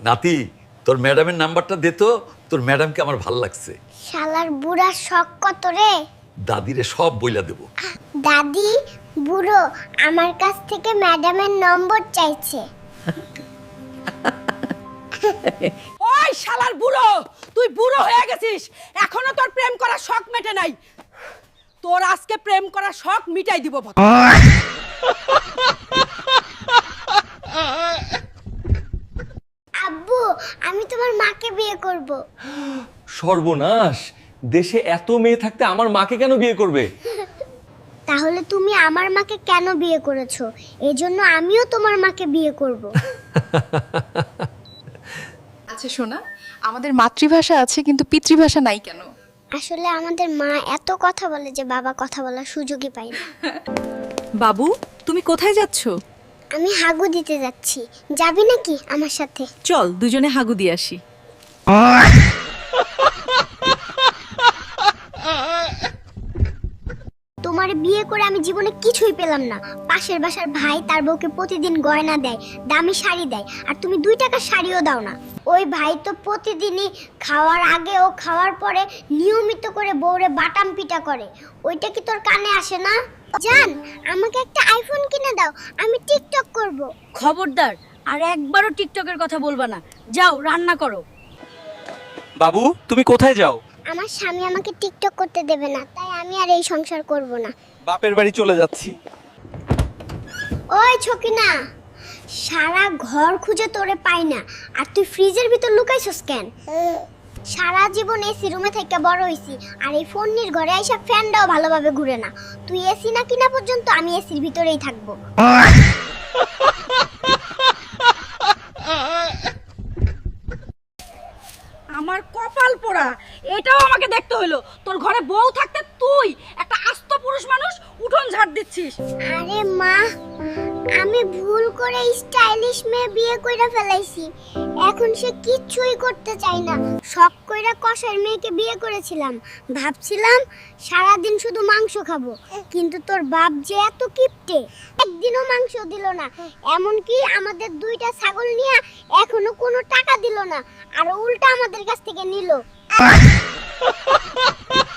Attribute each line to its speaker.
Speaker 1: নাতি, তোর ম্যাডামের নাম্বারটা দে তো, তোর ম্যাডামকে আমার ভাল লাগছে।
Speaker 2: শালার বুড়া শখ কত রে।
Speaker 1: দাদিরে সব বইলা দেব।
Speaker 2: দাদি, বুড়ো আমার কাছ থেকে ম্যাডামের নম্বর চাইছে।
Speaker 3: ওই শালার বুড়ো, তুই বুড়ো হয়ে গেছিস, এখনো তোর প্রেম করার শখ মেটে নাই। তোর আজকে প্রেম করার শখ মিটাই দিব।
Speaker 2: আব্বু, আমি তোমার মাকে বিয়ে করব।
Speaker 4: সর্বনাশ, দেশে এত মেয়ে থাকতে আমার মাকে কেন বিয়ে করবে?
Speaker 2: তাহলে তুমি আমার মাকে কেন বিয়ে করেছো? এজন্য আমিও তোমার মাকে বিয়ে করব।
Speaker 5: আচ্ছা শোনা, আমাদের মাতৃভাষা আছে কিন্তু পিতৃভাষা নাই কেন?
Speaker 2: আসলে আমাদের মা এত কথা বলে যে বাবা কথা বলার সুযোগই পায় না।
Speaker 6: বাবু, তুমি কোথায় যাচ্ছ?
Speaker 2: আমি হাগু দিতে যাচ্ছি, যাবি নাকি আমার সাথে?
Speaker 6: চল দুজনে হাগু দিয়ে আসি।
Speaker 2: তোমার বিয়ে করে আমি জীবনে কিছুই পেলাম না। পাশের বাসার ভাই তার বউকে প্রতিদিন গয়না দেয়, দামি শাড়ি দেয়, আর তুমি 2 টাকার শাড়িও দাও না। ওই ভাই তো প্রতিদিনই খাওয়ার আগে ও খাওয়ার পরে নিয়মিত করে বউরে বাটাম পিটা করে। ওইটা কি তোর কানে আসে না? জান, আমাকে একটা আইফোন কিনে দাও, আমি টিকটক করব।
Speaker 3: খবরদার, আর একবারও টিকটকের কথা বলবা না। যাও রান্না করো।
Speaker 4: বাবু, তুমি কোথায় যাও?
Speaker 2: আমার স্বামী আমাকে টিকটক করতে দেবে না, তাই আমি আর এই সংসার করব না।
Speaker 4: বাপের বাড়ি চলে যাচ্ছি।
Speaker 2: ওই ছকিনা, সারা ঘর খুঁজে তোরে পাই না, আর তুই ফ্রিজের ভিতর লুকাইছস কেন? সারা জীবন এসি রুমে থেকে বড় হইছি, আর এই ফোনের ঘরে আইসা ফ্যানটাও ভালোভাবে ঘুরে না। তুই এসি না কিনা পর্যন্ত আমি এসির ভিতরেই থাকবো।
Speaker 3: আমার কপাল পোড়া, এটাও আমাকে দেখতে হলো। তোর ঘরে বউ থাকতে তুই একটা আস্ত পুরুষ মানুষ উঠোন ঝাড় দিচ্ছিস।
Speaker 2: আরে মা, আমি ভুল করে স্টাইলিশ মেয়ে বিয়ে কইরা ফেলাইছি। এখন সে কিচ্ছুই করতে চাই না। শখ কইরা কষার মেয়েকে বিয়ে করেছিলাম, ভাবছিলাম সারাদিন শুধু মাংস খাবো। কিন্তু তোর বাপ যে এত কিপটে, একদিনও মাংস দিল না। এমনকি আমাদের 2টা ছাগল নিয়ে এখনো কোনো টাকা দিল না, আর উল্টা আমাদের কাছ থেকে নিল।